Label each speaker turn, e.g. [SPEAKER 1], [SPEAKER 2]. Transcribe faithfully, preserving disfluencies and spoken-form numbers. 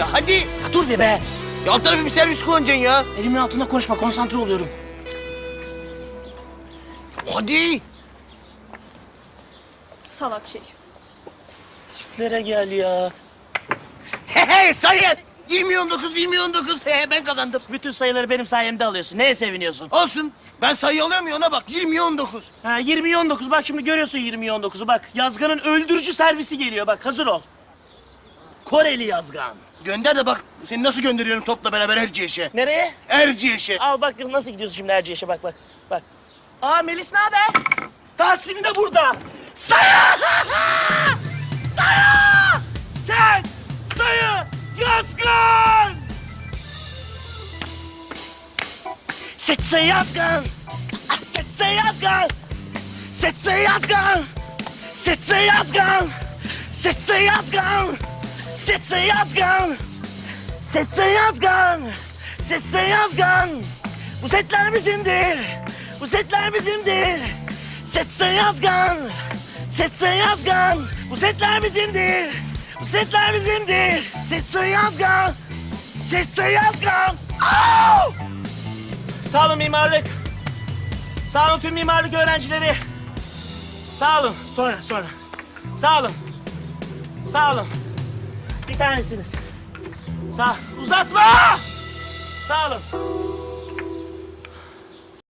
[SPEAKER 1] Ya hadi.
[SPEAKER 2] Ya dur be be.
[SPEAKER 1] Ya alt tarafı bir servis kullanacaksın ya.
[SPEAKER 2] Elimin altında konuşma, konsantre oluyorum.
[SPEAKER 1] Hadi.
[SPEAKER 3] Salak şey.
[SPEAKER 2] Tiplere gel ya.
[SPEAKER 1] He he sayın. yirmi on dokuz, yirmi on dokuz. He he ben kazandım.
[SPEAKER 2] Bütün sayıları benim sayemde alıyorsun. Neye seviniyorsun?
[SPEAKER 1] Olsun. Ben sayı alamıyorum ona bak. yirmi on dokuz.
[SPEAKER 2] Ha yirmi on dokuz. Bak şimdi görüyorsun yirmi on dokuzu. Bak Yazgan'ın öldürücü servisi geliyor. Bak hazır ol. Koreli Yazgan.
[SPEAKER 1] Gönder de bak. Seni nasıl gönderiyorum topla beraber Erciyes'e.
[SPEAKER 2] Nereye?
[SPEAKER 1] Erciyes'e.
[SPEAKER 2] Al bak kız nasıl gidiyorsun şimdi Erciyes'e bak bak. Bak. Aa Melis ne haber? Tahsin de burada. Sayı! Sayı! Sen! Sayı! Yazgan! Setze Yazgan! Setze Yazgan! Setze Yazgan! Setze Yazgan! Setze Yazgan! Setze Yazgan! Setze Yazgan! Setze Yazgan! Bu setler bizimdir! Bu setler bizimdir! Setze Yazgan! Setze Yazgan! Bu setler bizimdir! Bu setler bizimdir! Setze Yazgan! Setze Yazgan! Au! Sağ olun mimarlık. Sağ olun tüm mimarlık öğrencileri. Sağ olun. Sonra, sonra. Sağ olun. Sağ olun. Bir tanesiniz. Sağ. Uzatma! Sağ olun.